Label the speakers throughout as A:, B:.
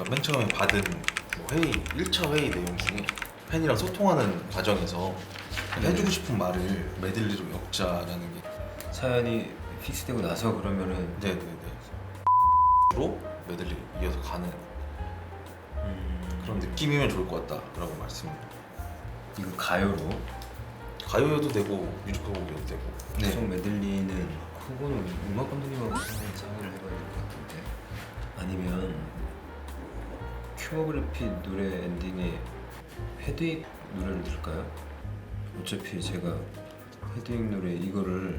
A: 그러니까 맨 처음에 받은 뭐 회의 1차 회의 내용 중에 팬이랑 소통하는 과정에서 해주고 싶은 말을 메들리로 엮자라는 게
B: 사연이 픽스되고 나서 그러면은
A: 네네네 로 메들리 이어서 가는 그런 느낌이면 좋을 것 같다라고 말씀을.
B: 이거 가요로
A: 가요여도 되고 뮤지컬곡이어도 되고.
B: 계속 메들리는 그거는 음악 감독님하고 상의를 해봐야 될 것 같은데 아니면 큐머그래피 노래 엔딩에 헤드윅 노래를 들을까요? 어차피 제가 헤드윅 노래 이거를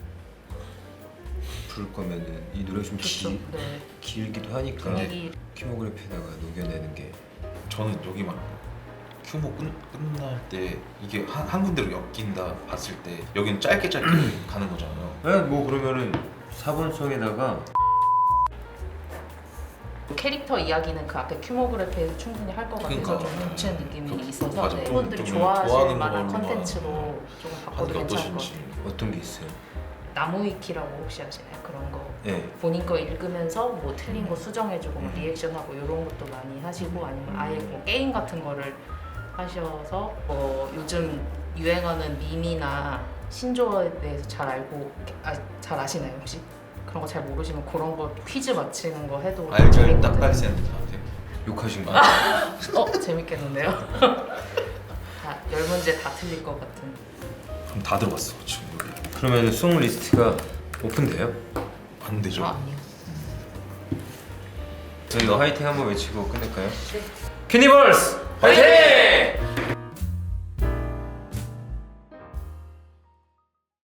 B: 부를 거면은 이 노래가 좀
C: 네.
B: 길기도 하니까
C: 분위기
B: 큐머그래피에다가 녹여내는 게
A: 저는 여기만 큐모 끝날 때 이게 한 군데로 엮인다 봤을 때 여기는 짧게 가는 거잖아요.
B: 네, 뭐 그러면은 4번송에다가
C: 캐릭터 이야기는 그 앞에 큐모그래피에서 충분히 할 것 같아서
A: 그러니까,
C: 좀 겹치는 느낌이
A: 그,
C: 있어서
A: 맞아.
C: 팬분들이
A: 좀
C: 좋아하실
A: 좋아하는
C: 만한
A: 걸로만
C: 컨텐츠로 조금 바꿔도
A: 하는 게
C: 괜찮을 것
A: 어떠신지.
C: 같아요.
B: 어떤 게 있어요?
C: 나무위키라고 혹시 아시나요? 그런 거
B: 네.
C: 본인 거 읽으면서 뭐 틀린 거 수정해주고 뭐 리액션하고 이런 것도 많이 하시고 아니면 아예 뭐 게임 같은 거를 하셔서 뭐 요즘 유행하는 밈이나 신조어에 대해서 잘 알고 잘 아시나요 혹시? 그런 거 잘 모르시면 그런 거 퀴즈 맞히는 거 해도
A: 알죠.
C: 재밌거든요.
A: 딱갈센 저한테.
B: 욕하신 거
C: 재밌겠는데요? 다 10문제 다 틀릴 것 같은.
A: 그럼 다 들어봤어 지금 여기.
B: 그러면 송 리스트가 오픈돼요?
A: 안 되죠.
C: 아니요.
B: 저희가 화이팅 한번 외치고 끝낼까요?
C: 네.
B: 큐니버스 화이팅!